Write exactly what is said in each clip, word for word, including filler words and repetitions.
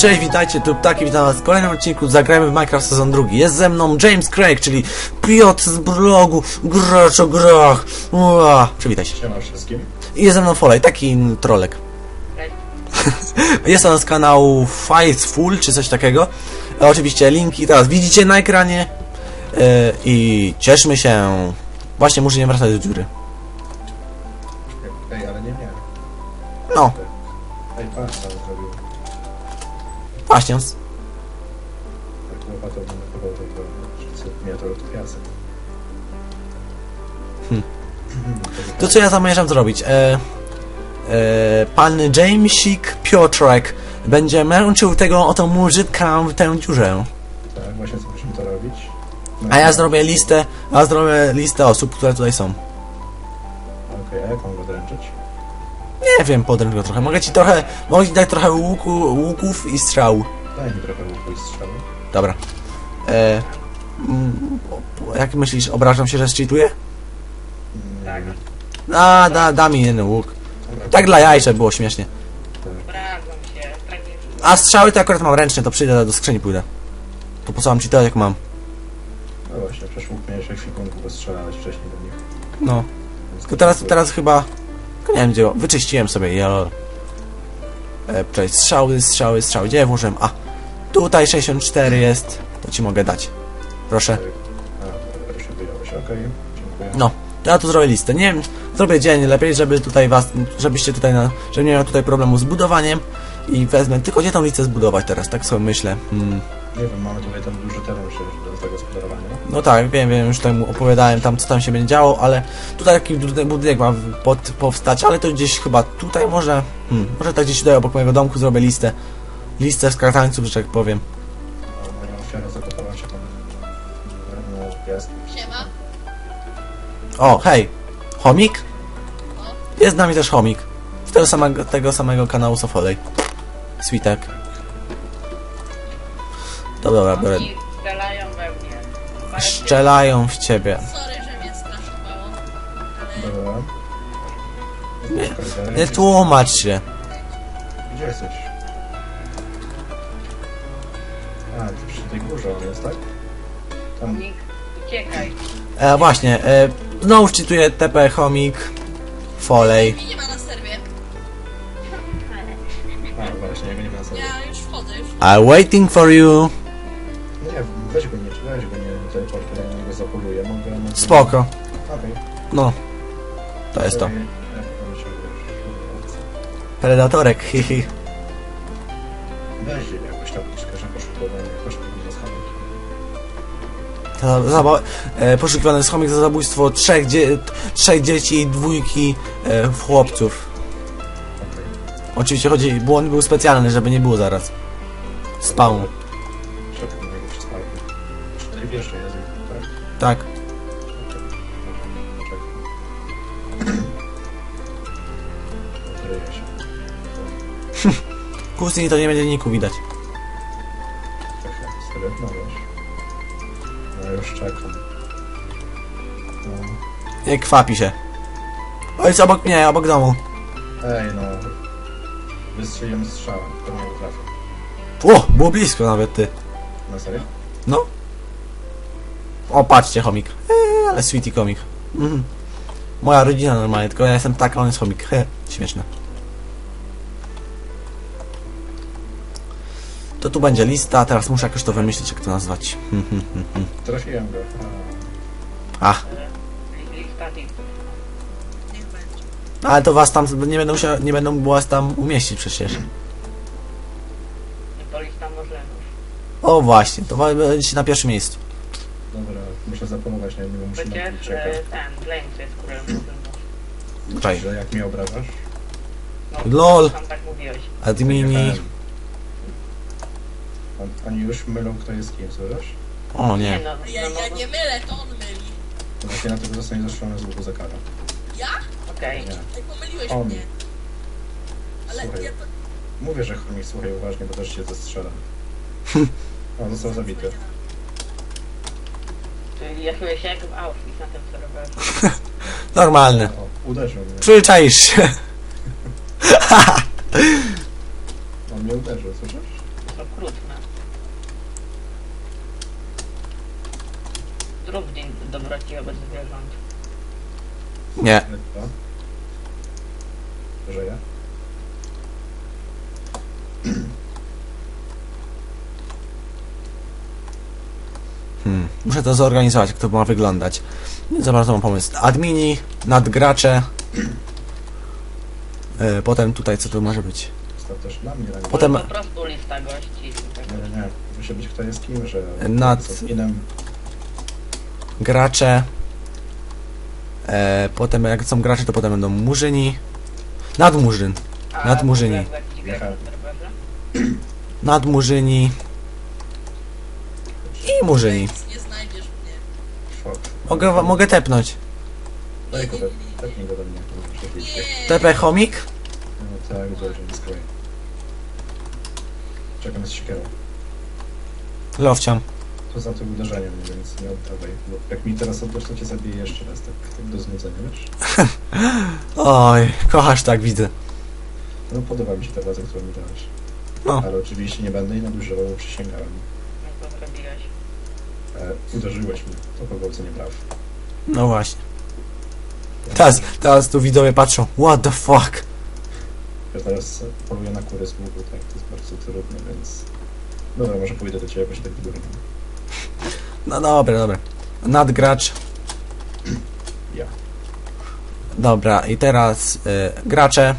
Cześć, witajcie, tu Ptaki, witam was w kolejnym odcinku Zagrajmy w Minecraft sezon drugi. Jest ze mną James Craig, czyli Piotr z blogu Gracz o grach. Ua, przywitaj się. Siema wszystkim. I jest ze mną Folej, taki trolek. Jest on z kanału Faithful, czy coś takiego. E, oczywiście linki teraz widzicie na ekranie. E, I cieszmy się. Właśnie muszę nie wracać do dziury. Ej, ale nie miałem. No, Ej, patrz co on zrobił. właśnie. Tak łopatą bym nachował tego, że mnie to od piasek. Hmm. To co ja zamierzam zrobić? E, e, pan Jamesik Piotrek będzie męczył tego oto murzytka w tę dziurę. Tak, właśnie co musimy to robić. No, A ja zrobię listę, a ja zrobię listę osób, które tutaj są. Okej, okay, a jak mam go dręczyć? Nie wiem, podręcz go trochę. Mogę ci trochę, mogę ci dać trochę łuku, łuków i strzał. Daj mi trochę łuku i strzały. Dobra. E, mm, jak myślisz, obrażam się, że zcheatuję? Tak. A, da, da mi jeden łuk. Tak dla jaj, żeby było śmiesznie. Obrażam się, tak nie czuję. A strzały to akurat mam ręczne, to przyjdę do skrzyni, pójdę. To po co mam cheatować, jak mam? No właśnie, przecież łuk miałeś ekwipunku, bo strzelałeś wcześniej do nich. No. Więc Tylko teraz, to- teraz chyba... Nie wiem gdzie, wyczyściłem sobie, ja... E, czekaj, strzały, strzały, strzały, gdzie ja włożyłem? A, tutaj sześćdziesiąt cztery jest, to ci mogę dać. Proszę. A, proszę wyjąłeś, okej, dziękuję. No, to ja tu zrobię listę. Nie wiem, zrobię dzień lepiej, żeby tutaj was, żebyście tutaj, na, żebym nie miał tutaj problemu z budowaniem. I wezmę, tylko gdzie tą listę zbudować teraz, tak sobie myślę. Hmm. Nie wiem, mamy tutaj ten duży teren przecież do tego gospodarowania. No tak, wiem, wiem, już tam opowiadałem tam, co tam się będzie działo, ale tutaj taki budynek, budynek ma pod, powstać, ale to gdzieś chyba tutaj może, hmm, może tak gdzieś tutaj obok mojego domku zrobię listę, listę skartańców, że tak powiem. A moja ofiara zakopała się tam na piasku. Siema. O, hej, chomik? Jest z nami też chomik, z tego samego, tego samego kanału Sofolej. Switek. Dobra, dobra, biorę. Oni strzelają we mnie. Parę Szczelają w ciebie. Sorry, że mnie straszowało. Dobra. Nie, nie tłumacz się. Gdzie jesteś? A, ty przy tej górze on jest, tak? Tam... Nick, uciekaj. E, właśnie, e, znowu czytuję T P, chomik, Folej. Mnie nie ma na serwie. A, właśnie, jego nie ma na sobie. Ja już wchodzę, już. I'm waiting for you. Nie, weź go nie, weź go nie teleportuj, ja na niego zapoluję, mogę... mogę- Spoko. Okej. No, to jest to. Okej, ja potem się wiesz, Predatorek, hihi. weź jakąś tabliczkę, że poszukiwanie, poszukiwanie schamek. Za, za, e, poszukiwany schomik za zabójstwo trzech, dzie trzech dzieci i dwójki e, chłopców. Okej. Oczywiście chodzi, błąd był specjalny, żeby nie było zaraz. Spawn. Czekaj na niego przez palkę. Czyli wiesz, że jest, tak? Tak. Odryję się. Kusni to nie będzie niku widać. Serio? No wiesz. No już czekam. No. Nie kwapi się. O, jest obok mnie, obok domu. Ej no. Wystrzeliłem strzała, to mnie trafił. O, było blisko nawet ty. Na serio? No. O, patrzcie, chomik. Eee, ale sweetie komik. Mhm. Moja rodzina normalnie, tylko ja jestem taka, on jest chomik. He, śmieszne. To tu będzie lista, teraz muszę jakoś to wymyślić, jak to nazwać. Hmm, hmm, hmm, hmm. Trafiłem go. A, Lista tipów. Niech będzie. ale to was tam nie będą się, nie będą was tam umieścić przecież. To lista możemy. O właśnie, to wa- będziecie na pierwszym miejscu. Dobra, muszę zapomnieć na niego, muszę na Przecież chwilę czekać. e, ten, Blaine jest królem. Czaj. Że jak mnie obrażasz? No, Lol. Sam tak mówiłeś. Admini. On- Oni już mylą, kto jest kim, słyszysz? O Nie nie. no, Ja, no, ja no, nie mylę, to on myli. To właśnie na tego zostanie zastrzelony z łuku za karę. Ja? okej. Nie. Ej, pomyliłeś On. mnie. Ale Słuchaj. ja to... Mówię, że chomik, słuchaj uważnie, bo też się zastrzela. O, został zabity. Czyli ja czuję się jak w Auschwitz na tym serwerze. Normalne. O, uderzył mnie. Przyczaisz się. On mnie uderzył, słyszysz? okrutne. Zrób dzień dobroci wobec zwierząt. Nie. Co? Żyje? Hmm. Muszę to zorganizować, jak to ma wyglądać. Nie za bardzo mam pomysł. Admini, nadgracze. E, potem tutaj co tu może być? Zostaw też dla mnie rangę. Potem- Po prostu lista gości. i tak Nie, nie, nie. Musi być kto jest kim, że... Nad- z adminem. Gracze. E, potem jak są gracze, to potem będą murzyni. Nadmurzyn. A Nadmurzyni. w ogóle jakiś grek na serwerze? Nadmurzyni. I murzyni. Nic nie znajdziesz mnie. Fuck. Mogę, wa- mogę tepnąć. Daj go, tepnij go do mnie. to może być. Nie. T P chomik? No tak, dobrze, nie skroj. Czekam z siekierą. Lowciam. To za tym uderzeniem, więc nie oddawaj. Bo jak mi teraz oddasz, to cię zabiję jeszcze raz, tak, tak do znudzenia, wiesz? Oj, kochasz tak, widzę. No podoba mi się ta władza, którą mi dałeś. No. Ale oczywiście nie będę jej nadużywał, bo przysięgałem. No to zrobiłeś. E, uderzyłeś mnie, to pogwałcenie praw. No właśnie. Teraz, teraz tu widzowie patrzą. What the fuck? Ja teraz poluję na kury z łuku, tak, to jest bardzo trudne, więc... Dobra, może pójdę do ciebie jakoś tak w górę. No dobra, dobra. Nadgracz. Ja. Dobra, i teraz y, gracze.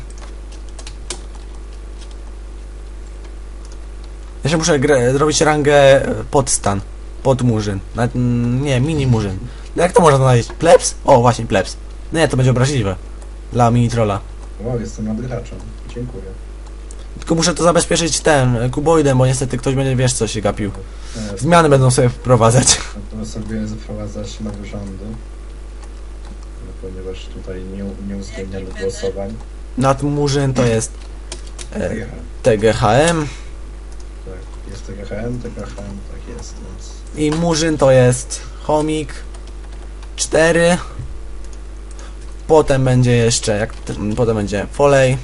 Ja się muszę gra- robić rangę y, podstan. Podmurzyn. Nawet, mm, nie, mini murzyn. Jak to można znaleźć? Plebs? O, właśnie, plebs. Nie, to będzie obraźliwe. Dla mini trolla. Wow, jestem nadgraczem. Dziękuję. Tylko muszę to zabezpieczyć tym, y, kuboidem, bo niestety ktoś będzie, wiesz co się gapił. E, Zmiany będą sobie wprowadzać. To sobie zaprowadzać nowe rządy. No, ponieważ tutaj nie, nie uwzględniamy Jaki głosowań. Nadmurzyn to jest e, Tak, T G H M tak, jest T G H M, T G H M, tak jest, więc... i murzyn to jest chomik cztery. Potem będzie jeszcze, jak potem będzie folej.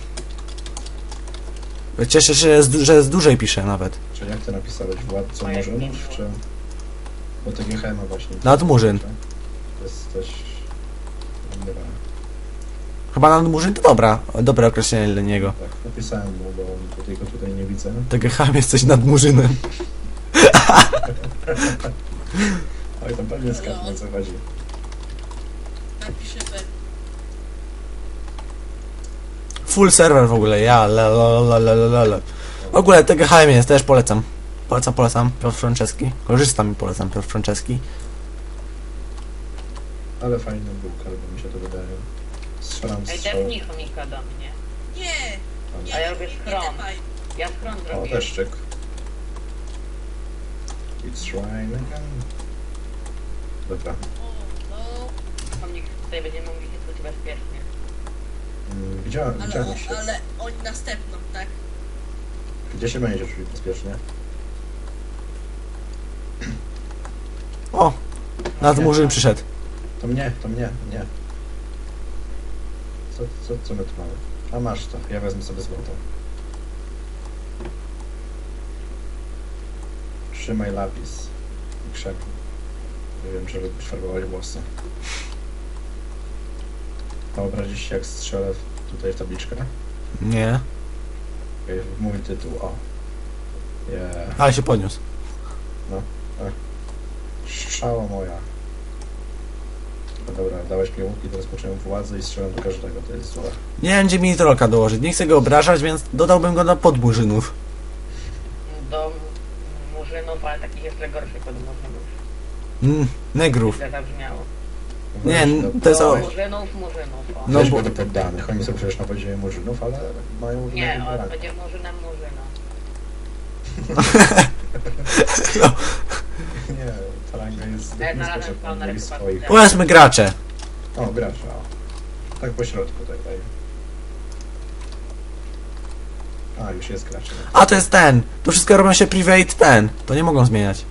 Cieszę się, że z, że z dłużej piszę nawet. Czy jak ty napisałeś? Władco A jak Murzynów, nie było? czy... Bo T G H M właśnie. Nadmurzyn. Jesteś... Dobra. Chyba nadmurzyn to dobra, dobre określenie dla niego. Tak, napisałem mu, bo tutaj go tutaj nie widzę. T G H M jesteś nadmurzynem. Oj, tam pewnie skarbnik o co chodzi. Napiszę B. Full serwer w ogóle, ja, la, la, la, la, la, la. W ogóle T G H M jest, też polecam. Polecam, polecam, Piotr Franceski. Korzystam i polecam, Piotr Franceski. Ale fajny był, albo mi się to wydaje. Strzelam Ej, strzał. tepnij chomika do mnie. Nie. Nie, A ja nie, robię nie schron. tepaj. Ja schron O, zrobię. deszczyk. It's rain again. Dobra. O, no. Chomik tutaj będziemy mogli się czuć bezpiecznie. Mm, Widziałem, Ale, widziałem o, się. ale oni następną, tak? Gdzie się będzie czuć bezpiecznie? O, nadmurzyn przyszedł. To mnie, to mnie, nie. Co, co, co my tu mamy? A masz to, ja wezmę sobie złoto. Trzymaj lapis i krzepnij. Nie wiem, czy lubisz farbować włosy. Wyobrazisz się, jak strzelę w- tutaj w tabliczkę? Nie, Okej, mój tytuł, o. Yeah. ale się podniósł. Strzała moja. No dobra, dałeś mi łuk i teraz poczułem władzę i strzelam do każdego, to jest złe. Nie wiem, gdzie mini trollka dołożyć. Nie chcę go obrażać, więc dodałbym go do podmurzynów. Do murzynów, ale takich jeszcze gorszych od murzynów. Mm, negrów. Źle zabrzmiało. Nie, Weź, to jest Do o... murzynów, murzynów. O. No Weź bo- go do poddanych, oni są przecież na poziomie murzynów, ale mają Nie, innego on rangu. będzie murzynem murzyna. Nie, ta ranga jest Ja niska, znalazłem że spawner mieli chyba swoich. tutaj. Powiedzmy gracze. O, gracza, o. Tak po środku tutaj. A, już jest gracz. A to jest ten. To wszystko robią się private ten. To nie mogą zmieniać.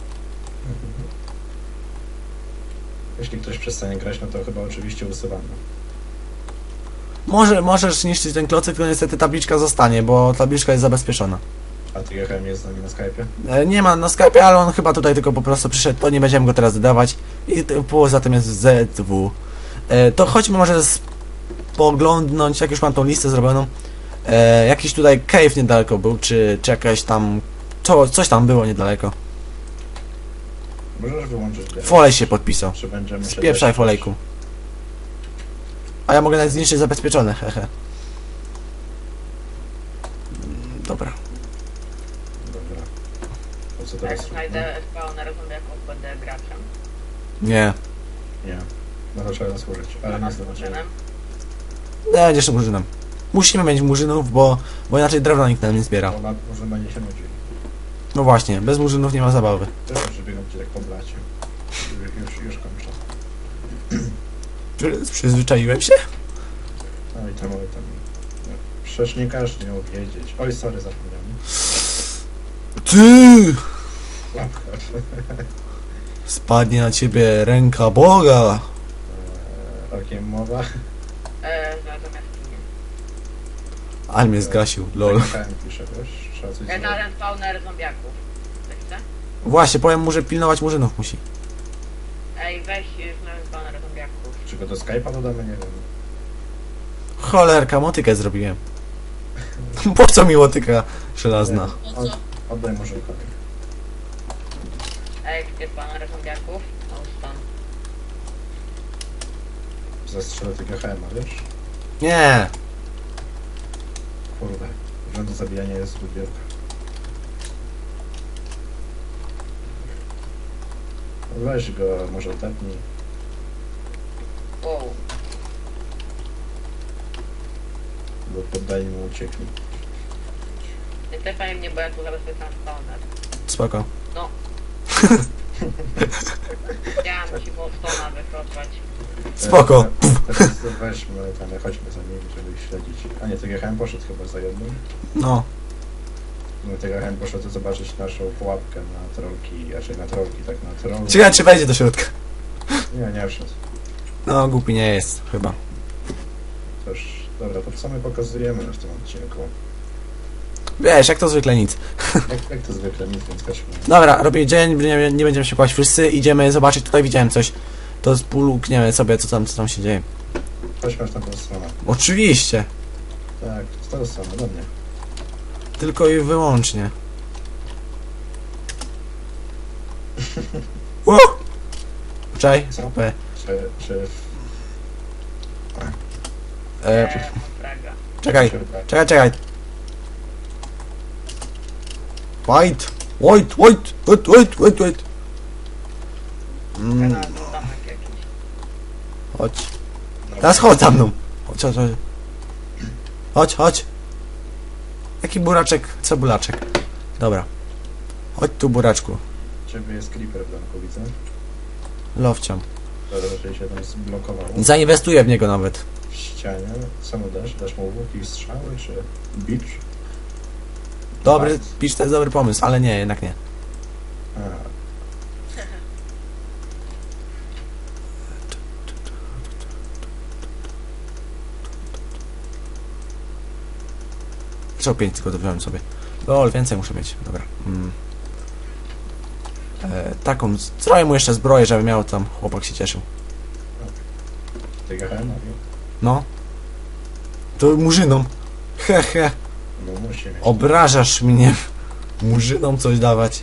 Jeśli ktoś przestanie grać, no to chyba oczywiście usuwamy. Może, możesz niszczyć ten klocyk, tylko niestety tabliczka zostanie, bo tabliczka jest zabezpieczona. A T G H M jest z nami na Skype'ie? E, nie ma na Skype'ie, ale on chyba tutaj tylko po prostu przyszedł, to nie będziemy go teraz dodawać. I t- poza tym jest Z W. E, to chodźmy może spoglądnąć, jak już mam tą listę zrobioną. E, jakiś tutaj cave niedaleko był, czy, czy jakaś tam... Co, coś tam było niedaleko. Możesz wyłączyć grę. Folej się podpisał. Czy będziemy się Spieprzaj dać- folejku. A ja mogę nawet zniszczyć zabezpieczone, hehe. Mm, Dobra. Dobra. To co Jak teraz? znajdę spawner zombiaków, będę graczem. Nie. Nie. No to trzeba zasłużyć, ale A nie z zdążyłem. murzynem? Będziesz murzynem. Musimy mieć murzynów, bo, bo inaczej drewna nikt nam nie zbiera. Bo ma- może będzie się nudził. No właśnie, bez murzynów nie ma zabawy. Też przebiegam cię tak po blacie. Już, już, już kończę. Przy- Przyzwyczaiłem się? Oj tam, oj tam. No, przecież nie każdy miał wiedzieć. Oj, sorry, zapomniałem. Ty! Łapka. Spadnie na ciebie ręka Boga. Eee, Okiem mowa. Eee, znalazłem jaskinię. Ale mnie zgasił, lol. Tak, pisze, wiesz? Trzeba coś Ja zrobić. znalazłem spawner zombiaków. Wiecie? Właśnie, powiem mu, że pilnować murzynów musi. Ej, weź, znalazłem spawner zombiaków. Czy go do Skype'a dodamy? Nie wiem. Cholerka, motykę zrobiłem. Po co mi motyka żelazna? Po co? Oddaj może kogoś. Ej, gdzie spawner zombiaków? No, stąd. Zastrzelę tego H M a, wiesz? Nie! Kurde. Rząd zabijania jest zbyt wielka. Weź go, może tepnij. Wow. Bo poddani mu uciekli. Nie tepaj mnie, bo ja tu zabezpieczam spawner. Spoko. Chciałam ci Bostona wykopać. Spoko. E, Teraz weźmy tam, chodźmy za nimi, żeby ich śledzić. A nie, tego H M poszedł chyba za jednym. No. No tego H M poszedł zobaczyć naszą pułapkę na trolki, raczej na trolki, tak na trolki. Ciekawe, czy wejdzie do środka. Nie, nie wszedł. No, głupi nie jest, chyba. Też, dobra, to co my pokazujemy w tym odcinku? Wiesz, jak to zwykle nic. Jak, jak to zwykle, nic, więc chodźmy. Dobra, robię dzień, nie, nie będziemy się kłaść wszyscy, idziemy zobaczyć, tutaj widziałem coś. To spulukniemy sobie, co tam, co tam się dzieje. Chodźmy aż na tą stronę. Oczywiście. Tak, z tą stronę, do mnie. Tylko i wyłącznie. Ło! Czaj. Co? P. Czy, czy... E, Eee, fraga. czekaj, czy czekaj, czekaj. Wait, wait, wait, wait, wait, wait, wait. Mm, Znalazłem domek jakiś. chodź. Teraz chodź za mną. Chodź, chodź, chodź. Chodź, chodź. Jaki buraczek, cebulaczek. Dobra. Chodź tu, buraczku. Ciebie jest creeper w domku, widzę. Lowciam. Dobra, raczej się tam zblokował. Zainwestuję w niego nawet. W ścianie. Co mu dasz? Dasz mu łuki, strzały, czy bicz? Dobry, pisz, to jest dobry pomysł, ale nie, jednak nie. A, Co pięć tylko to wziąłem sobie. Lol, więcej muszę mieć. Dobra. Mm. E, taką, zrobię mu jeszcze zbroję, żeby miał tam, chłopak się cieszył. tego H M a, No. To murzynom. He, he. no musi mieć. Obrażasz mnie. Murzynom coś dawać.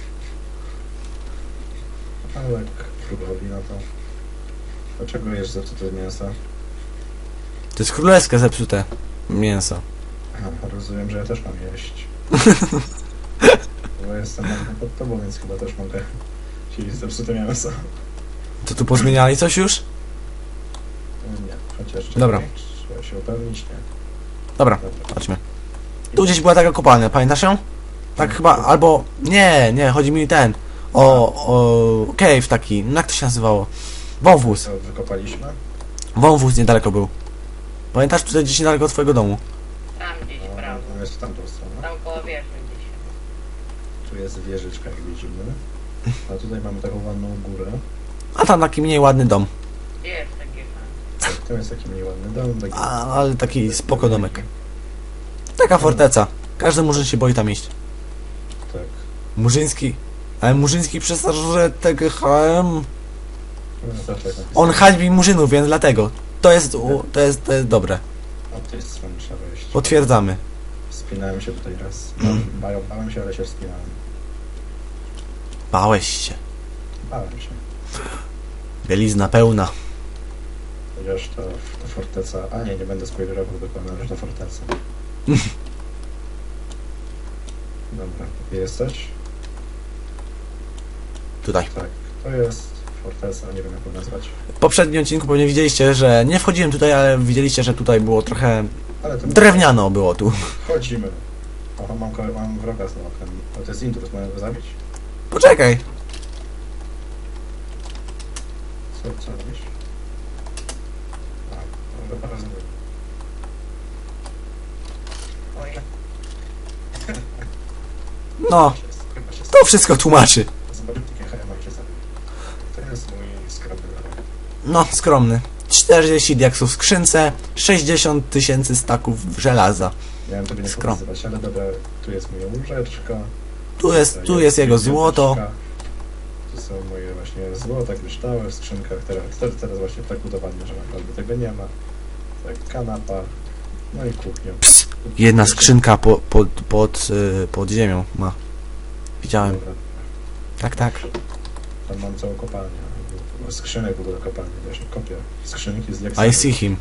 Ale królowi na to. Dlaczego jesz zepsute mięso? To jest królewskie zepsute mięso. Aha, rozumiem, że ja też mam jeść. Bo jestem na pod tobą, więc chyba też mogę jeść zepsute mięso. To tu pozmieniali coś już? Nie, chociaż czekaj, Dobra. trzeba się upewnić, nie. Dobra, Dobra. chodźmy. Tu gdzieś była taka kopalnia, pamiętasz ją? Tak chyba, albo... Nie, nie, chodzi mi ten... O, o... Cave taki, no jak to się nazywało? Wąwóz. Co wykopaliśmy? Wąwóz niedaleko był. Pamiętasz, tutaj gdzieś niedaleko od twojego domu? Tam gdzieś, No, prawo. no jest w tamtą stronę. Tam koło wieży gdzieś. Tu jest wieżyczka, jak widzimy. A tutaj mamy taką ładną górę. A tam taki mniej ładny dom. Gdzie jest taki fan? Tak, to jest taki mniej ładny dom. Taki... A, ale taki spoko domek. Taka forteca. Każdy murzyn się boi tam iść. Murzyński. Ale Murzyński przez że T G H M. No, to tak napisane. On hańbi Murzynów, więc dlatego. To jest, u, to jest, to jest dobre. O, to jest strony trzeba wejść. Potwierdzamy. Wspinałem się tutaj raz. Mm. Bałem, bałem się, ale się wspinałem. Bałeś się. Bałem się. Bielizna pełna. Chociaż to f- forteca... A nie, nie będę spoilerował dokładnie, że to forteca. Dobra, gdzie jesteś? Tutaj. Tak, to jest forteca, nie wiem jak ją nazwać. W poprzednim odcinku pewnie widzieliście, że nie wchodziłem tutaj, ale widzieliście, że tutaj było trochę Ale to drewniano było tu. Wchodzimy. Oho, mam, ko- mam wroga z oknem. O, to jest intruz, mogę go zabić? Poczekaj. Co, co robisz? A, może parę zrobię. Oj, No, Chyba się to wszystko tłumaczy. Zobaczymy takie H M A się zabił. To jest mój skromny wrog. No, skromny. czterdzieści diaksów w skrzynce, sześćdziesiąt tysięcy staków żelaza. Miałem tobie nie Skrom. pokazywać, ale dobra, tu jest moja łóżeczka. Tu jest, tu jest jego złoto. Tu są moje właśnie złota, kryształy w skrzynkach. Teraz, teraz, teraz właśnie tak udowadnię, że naprawdę tego nie ma. Tak, kanapa. No i kuchnia. Ps, jedna skrzynka po, pod, pod, y, pod ziemią ma. Widziałem. Dobra, Tak, tak. tam mam całą kopalnię. Skrzynek w ogóle kopalnię, też kopię. Skrzynki z diaksami. I see him.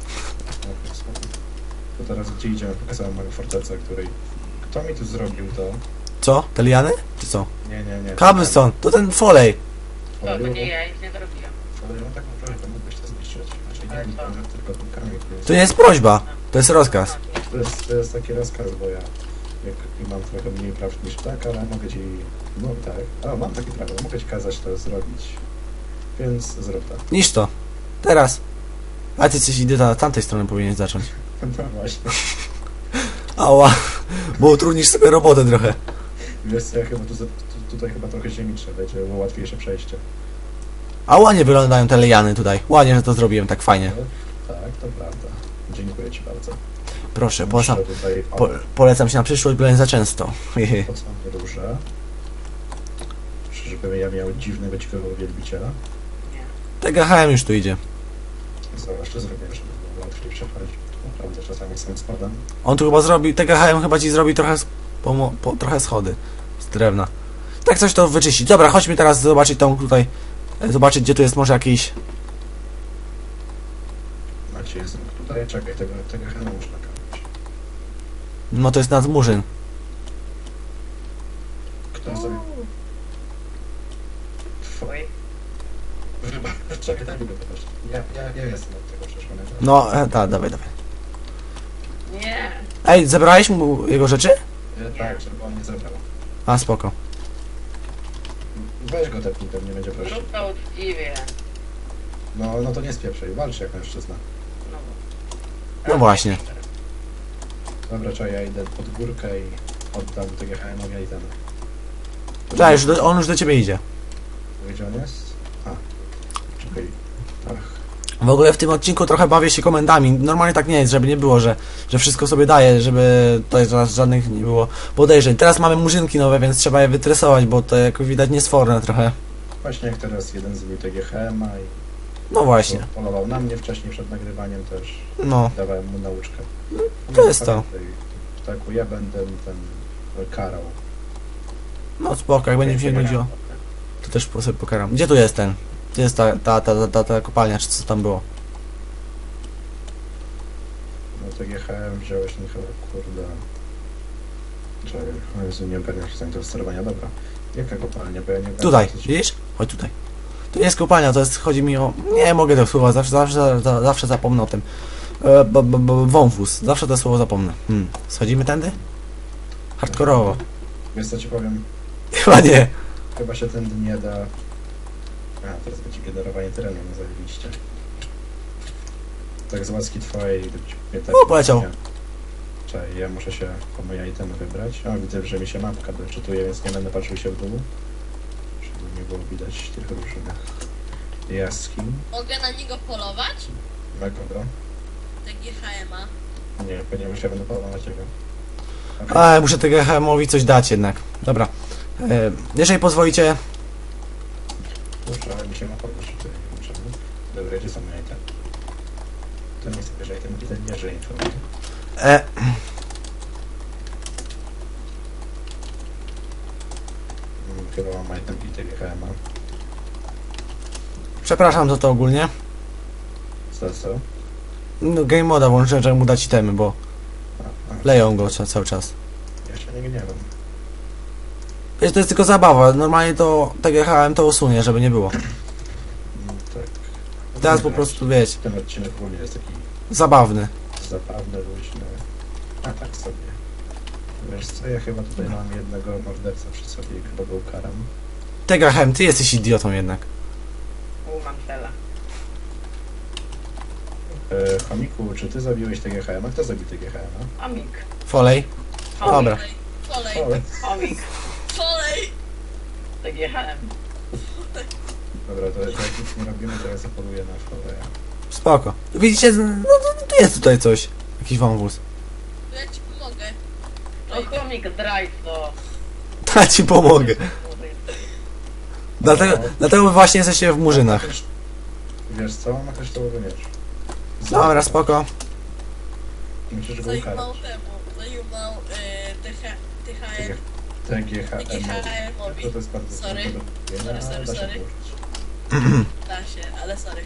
To teraz gdzie idziemy? Pokazałem moją fortecę, której... Kto mi tu zrobił to? Co? Te liany? Czy co? Nie, nie, nie. Cobblestone, to ten folej. to, to nie ja, nic nie zrobiłem. Ale no tak naprawdę to mógłbyś to zniszczyć. Znaczy Ale nie, co? nie, tylko ten kamień. To nie jest prośba, to jest rozkaz. To jest, to jest taki rozkaz, bo ja jak mam trochę mniej praw niż tak, ale mogę ci... No tak, a mam takie prawo, mogę ci kazać to zrobić. Więc zrób tak. Niż to. Teraz. A ty coś idę na tamtej strony powinien zacząć. No właśnie. Ała. Bo utrudnisz sobie robotę trochę. Wiesz co, ja chyba tu, za- tu, tutaj chyba trochę ziemi trzeba, będzie było łatwiejsze przejście. A ładnie wyglądają te liany tutaj. Ładnie, że to zrobiłem tak fajnie. Tak, to prawda. Dziękuję ci bardzo. Proszę, polecam, Muszę tutaj... O, po, polecam się na przyszłość, byłem za często. Hehe. po co mnie duże? Żeby ja miał dziwnego, ciekawego wielbiciela. Nie. T G H M już tu idzie. Zobacz, to zrobiłem, żeby było łatwiej przechodzić. Naprawdę czasami sam spadam. On tu chyba zrobi, T G H M chyba ci zrobi trochę, s- pomo, po, trochę schody z drewna. Tak coś to wyczyścić. Dobra, chodźmy teraz zobaczyć tą tutaj, e, zobaczyć gdzie tu jest może jakiś... Macie jest tutaj, czekaj, tego, tego chyba można kapić. No to jest nadmurzyn. Kto sobie... Tw- Oj, Wybacz, czekaj, daj mi go pokaż. Ja, ja, ja jestem od tego przeszłonego. No, e, tak, dawaj, dawaj. nie. Ej, zebrałeś mu jego rzeczy? Ja, tak, żeby on nie zebrał. A, spoko. Weź go tepnij, to nie będzie prościej. Zrób to uczciwie. No, no to nie spieprzaj, walcz jak mężczyzna. No. No właśnie. Dobra, czekaj, ja idę pod górkę i oddam tego H M owi i ten. Tak, już do, on już do ciebie idzie. Gdzie on jest? A, czekaj. Ach, W ogóle w tym odcinku trochę bawię się komendami. Normalnie tak nie jest, żeby nie było, że, że wszystko sobie daje, żeby tutaj ża- żadnych nie było podejrzeń. Teraz mamy murzynki nowe, więc trzeba je wytresować, bo to jak widać niesforne trochę. właśnie jak teraz jeden zrobił tego H M a i No właśnie. polował na mnie wcześniej przed nagrywaniem też. No, Dawałem mu nauczkę. to jest to. Tak, ja będę ten karał. No spoko, jak będzie mi się nudziło, to też po- sobie pokaram. Gdzie tu jest ten? Gdzie jest ta, ta, ta, ta, ta, ta kopalnia, czy co tam było? No to G H M wziąłeś, no chyba, kurde... Czekaj, o Jezu, nie ogarniasz się do sterowania, dobra. Jaka kopalnia, bo ja nie ogarniam. Tutaj, co ci- widzisz? Chodź tutaj. Tu jest kopalnia, to jest, chodzi mi o... Nie mogę tego słowa, zawsze, zawsze, za- zawsze zapomnę o tym. E, b, b, b, wąwóz, zawsze to słowo zapomnę. Hmm. Schodzimy tędy? Hardkorowo. Wiesz co ci powiem? Chyba nie. Chyba się ten nie da... A, teraz będzie generowanie terenu, no zajebiście. Tak z łaski twojej... mnie tak O, poleciał. nie- Czekaj, ja muszę się po moje itemy wybrać. O, widzę, że mi się mapka doczytuje, więc nie będę patrzył się w dół. Żeby nie było widać tych różnych jaskiń. Mogę na niego polować? Na kogo? T G H M a. Nie, ponieważ ja będę polował na ciebie. A, muszę tego H M owi coś dać jednak. Dobra. E, jeżeli pozwolicie, Kurczę, ale mi się ma podnieść tutaj, nie wiem czemu. Dobra, gdzie są moje itemy? To nie chcę bierze item, ten bierze informacje. e, Mm, Chyba mam item i T G H M a. przepraszam za to ogólnie. Co, co? No, game moda włączyłem, żeby mu dać itemy, bo A, a, leją go ca- cały czas. Ja się nie gniewam. Wiesz, to jest tylko zabawa, normalnie to T G H M to usunie, żeby nie było. Mm, tak. Teraz po prostu, wiecie, Ten odcinek ogólnie jest taki zabawny. zabawny, luźny. A tak sobie. Wiesz co, ja chyba tutaj mam jednego mordercę przy sobie i chyba go ukaram. T G H M, ty jesteś idiotą jednak. U, mam cela. E, chomiku, czy ty zabiłeś T G H M a? Kto zabił T G H M a? Chomik. Folej. Dobra. Folej, Ole. Chomik. folej. T G H M. Dobra, to, to jak nic nie robimy, to ja zapoluję na foleja. Spoko. Widzicie, no, no, to jest tutaj coś. Jakiś wąwóz. To ja ci pomogę. No chomik, drive to. Ja ci pomogę. Dlatego, dlatego wy właśnie jesteście w murzynach. Wiesz co? Ma kryształowy miecz. Dobra, spoko. Musisz go Zajmował ukarać. temu, zajmował y, T H M, T G H T G H M. M-owi. To jest bardzo Sorry. trudne do zrobienia, Sorry, ale sorry, da się sorry. położyć. Da się, ale sorry.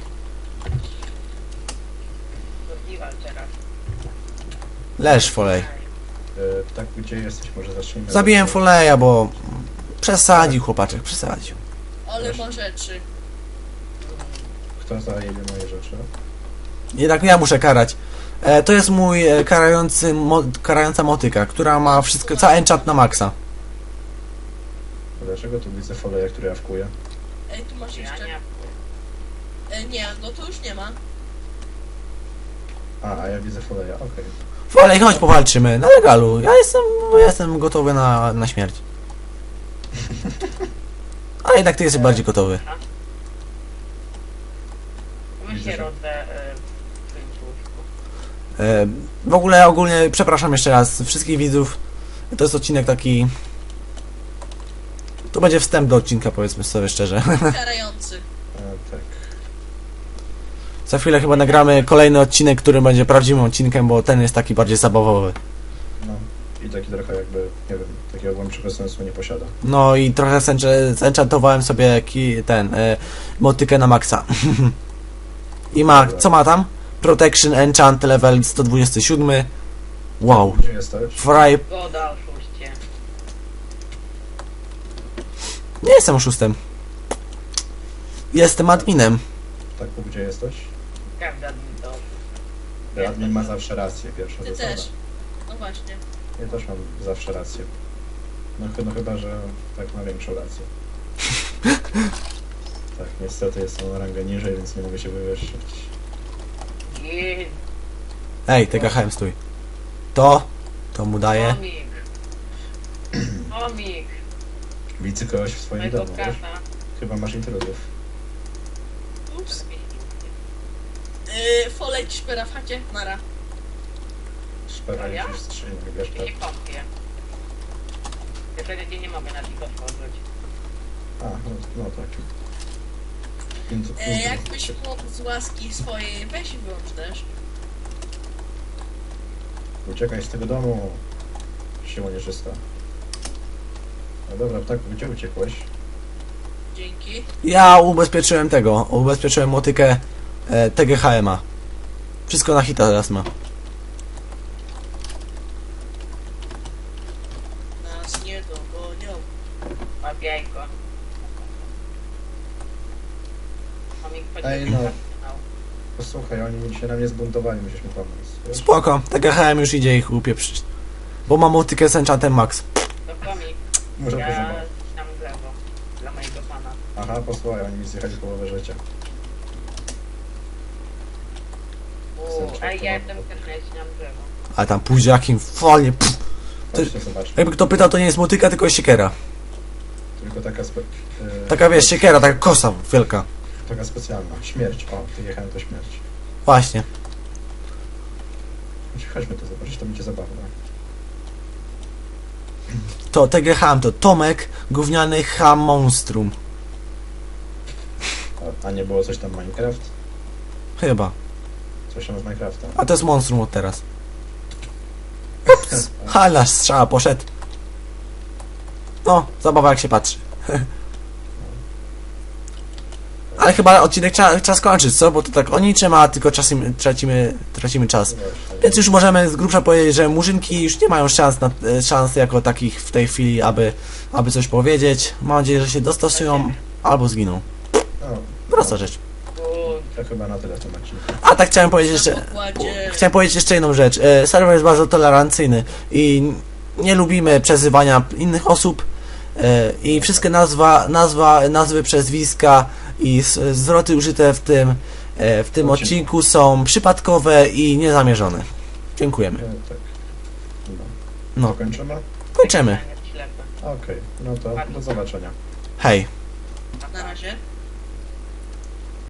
Survival teraz. Leż, Folej. E, tak, gdzie jesteś? Może zacznijmy. Zabiłem od- Foleja, bo przesadził chłopaczek, przesadził. Ale ma rzeczy. Kto zajebie moje rzeczy? Jednak ja muszę karać. E, to jest mój e, karający, mo, karająca motyka, która ma wszystko, cały enchant na maksa. Dlaczego tu widzę foleja, który jawkuje? Ej, tu masz Ja jeszcze. nie. E, nie, no to już nie ma. A, a ja widzę foleja, okej. Folej, chodź powalczymy, na legalu. Ja jestem, ja jestem gotowy na, na śmierć. Ale jednak ty jesteś bardziej gotowy. My się rodzę y, w tym łóżku. E, w ogóle ogólnie przepraszam jeszcze raz wszystkich widzów. To jest odcinek taki... To będzie wstęp do odcinka, powiedzmy sobie szczerze. Karający. E, tak. Za chwilę chyba nagramy kolejny odcinek, który będzie prawdziwym odcinkiem, bo ten jest taki bardziej zabawowy. No. I taki trochę jakby, nie wiem, takiego głębszego sensu nie posiada. No i trochę zench- zenchantowałem sobie ki- ten, e, motykę na maksa. I ma, co ma tam? Protection Enchant level sto dwadzieścia siedem. Wow. Gdzie jesteś? Fry... Goda, oszuście. Nie jestem oszustem. Jestem adminem. Tak, gdzie jesteś? Każdy admin to. Admin ma zawsze rację, pierwsza Ty zasada. też. No właśnie. Ja też mam zawsze rację. No, ch- no chyba, że tak ma większą rację. Tak, niestety jestem na rangę niżej, więc nie mogę się wywyższyć. Jezu, Ej, T G H M, stój. To, to mu daje. chomik. Chomik. Widzę kogoś w swoim Mojego domu, wiesz? kata. Chyba masz intruzów. Ups. Yy, folej ci szpera w chacie. Nara. Szpera A ja? już strzelił, wiesz, Ja tak. nie kąpię. Ja wtedy nie mogę na nich otworzyć. A, no, no tak. Więc, E, jakbyś mógł z łaski swojej, weź i wyłącz też. Uciekaj z tego domu. Siła nieczysta. No dobra, ptaku, gdzie uciekłeś? Dzięki. Ja ubezpieczyłem tego, ubezpieczyłem motykę e, T G H M a. Wszystko na hita teraz ma. Nas nie dogonią. Łap jajko. Chomik Ej, no. Posłuchaj, oni się na mnie zbuntowali, musisz mi pomóc. Wiesz? Spoko, T G H M już idzie ich upieprzyć. Bo ma motykę z enchantem max. To chomik. Muszę Ja pożegnać. tam w lewo. Dla mojego pana. Aha, posłuchaj, oni mi zjechali połowę życia. Uuu, ej, ja jestem też na w lewo. A tam pójdzie jakim falnie. Pff. To- Chodźcie, zobaczmy. Jakby kto pytał, to nie jest motyka, tylko jest siekiera. Tylko taka spe... e, Taka wiesz, siekiera, taka kosa wielka. Taka specjalna. Śmierć. O, ty jechałem to śmierć. Właśnie. Chodźmy to zobaczyć, to będzie zabawne. To T G H to Tomek, gówniany H Monstrum. A, a nie było coś tam Minecraft? Chyba. Coś tam z Minecrafta. A to jest Monstrum od teraz. Ups. Halna strzała poszedł. No, zabawa jak się patrzy. Ale chyba odcinek trzeba, trzeba skończyć, co? Bo to tak o niczym, a tylko czasem tracimy, tracimy czas. Więc już możemy z grubsza powiedzieć, że murzynki już nie mają szans, na, szans jako takich w tej chwili, aby, aby coś powiedzieć. Mam nadzieję, że się dostosują albo zginą. No, Prosta rzecz. Bo to chyba na tyle w tym odcinku. A tak chciałem powiedzieć jeszcze... Na pokładzie. Chciałem powiedzieć jeszcze jedną rzecz. E, Serwer jest bardzo tolerancyjny i nie lubimy przezywania innych osób e, i wszystkie nazwa, nazwa, nazwy, przezwiska i s- zwroty użyte w tym, e, w tym odcinku są przypadkowe i niezamierzone. Dziękujemy. E, tak. No. No, Kończymy? kończymy. ślepy. Okej, no to do zobaczenia. Hej. Na razie.